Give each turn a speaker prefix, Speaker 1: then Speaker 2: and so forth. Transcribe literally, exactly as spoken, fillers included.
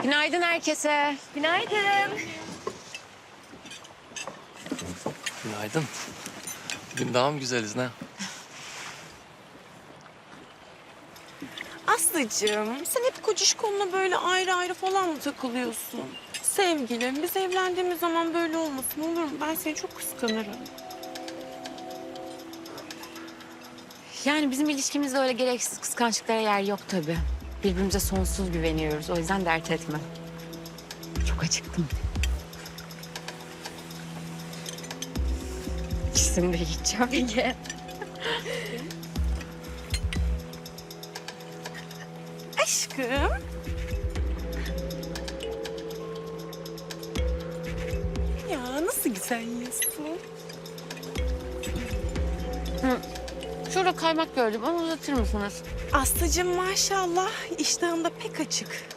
Speaker 1: Günaydın herkese.
Speaker 2: Günaydın.
Speaker 3: Günaydın. Bugün daha mı güzeliz ne?
Speaker 2: Aslıcığım, sen hep kocişkonla böyle ayrı ayrı falan mı takılıyorsun? Sevgilim, biz evlendiğimiz zaman böyle olmasın olur mu? Ben seni çok kıskanırım.
Speaker 1: Yani bizim ilişkimizde öyle gereksiz kıskançlıklara yer yok tabii. Birbirimize sonsuz güveniyoruz. O yüzden dert etme. Çok acıktım. İkisini de yiyeceğim. Ye.
Speaker 2: Aşkım. Ya nasıl güzel yiyorsun?
Speaker 1: Hı. Şurada kaymak gördüm. Onu uzatır mısınız?
Speaker 2: Aslıcığım maşallah iştahın da pek açık.